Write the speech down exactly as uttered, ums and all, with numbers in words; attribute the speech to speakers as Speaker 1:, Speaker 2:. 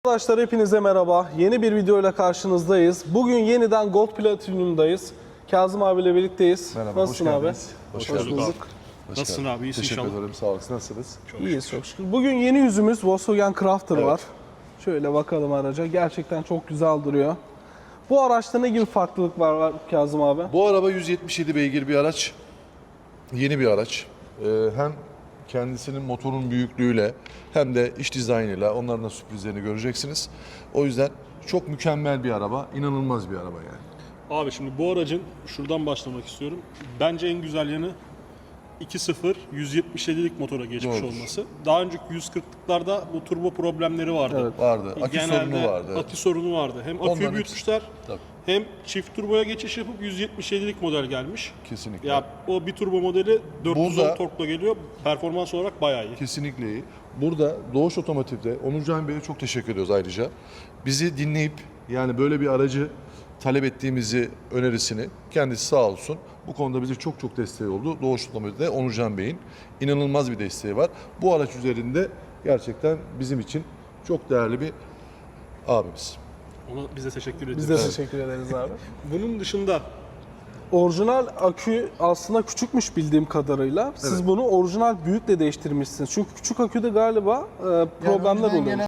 Speaker 1: Arkadaşlar hepinize merhaba. Yeni bir videoyla karşınızdayız. Bugün yeniden Gold Platinum'dayız. Kazım abiyle birlikteyiz.
Speaker 2: Merhaba,
Speaker 1: Nasılsın
Speaker 2: hoş
Speaker 1: abi?
Speaker 2: geldiniz.
Speaker 1: Hoş,
Speaker 2: Hoş geldiniz.
Speaker 1: bulduk.
Speaker 2: Hoş
Speaker 3: Nasılsın
Speaker 2: geldin.
Speaker 3: abi? İyisin
Speaker 2: Teşekkür
Speaker 3: inşallah.
Speaker 2: ederim. Sağ olasın. Nasılsınız?
Speaker 1: İyiyiz çok şükür. Bugün yeni yüzümüz Volkswagen Crafter
Speaker 2: Evet.
Speaker 1: var. Şöyle bakalım araca. Gerçekten çok güzel duruyor. Bu araçta ne gibi farklılık var, var Kazım abi?
Speaker 2: Bu araba yüz yetmiş yedi beygir bir araç. Yeni bir araç. Ee, hem kendisinin motorun büyüklüğüyle hem de iç dizaynıyla onların da sürprizlerini göreceksiniz. O yüzden çok mükemmel bir araba. İnanılmaz bir araba yani.
Speaker 3: Abi şimdi bu aracın şuradan başlamak istiyorum. Bence en güzel yanı iki sıfır yüz yetmiş yedilik motora geçmiş
Speaker 2: Doğrudur.
Speaker 3: olması. Daha önceki yüz kırklıklarda bu turbo problemleri vardı.
Speaker 1: Evet.
Speaker 2: Vardı. Akü
Speaker 3: Genelde
Speaker 2: sorunu vardı. evet.
Speaker 3: akü sorunu vardı. Hem aküyü
Speaker 2: Onların
Speaker 3: büyütmüşler
Speaker 2: Tabii.
Speaker 3: hem çift turboya geçiş yapıp yüz yetmiş yedilik model gelmiş.
Speaker 2: Kesinlikle.
Speaker 3: Ya o bir turbo modeli dört yüz on
Speaker 2: Burada-
Speaker 3: torkla geliyor. Performans olarak bayağı iyi.
Speaker 2: Kesinlikle iyi. Burada Doğuş Otomotiv'de Onurcan Bey'e çok teşekkür ediyoruz ayrıca. Bizi dinleyip yani böyle bir aracı talep ettiğimizi önerisini kendisi sağ olsun. Bu konuda bize çok çok desteği oldu. Doğuş Otomotiv'de Onurcan Bey'in inanılmaz bir desteği var. Bu araç üzerinde gerçekten bizim için çok değerli bir abimiz.
Speaker 3: Ona bize teşekkür ediyoruz.
Speaker 1: Biz de teşekkür ederiz abi.
Speaker 3: Bunun dışında
Speaker 1: Orijinal akü aslında küçükmüş bildiğim kadarıyla. Siz
Speaker 2: Evet.
Speaker 1: bunu orijinal büyükle değiştirmişsiniz. Çünkü küçük aküde galiba e, problemler
Speaker 2: Yani
Speaker 1: oluyor.
Speaker 2: gelen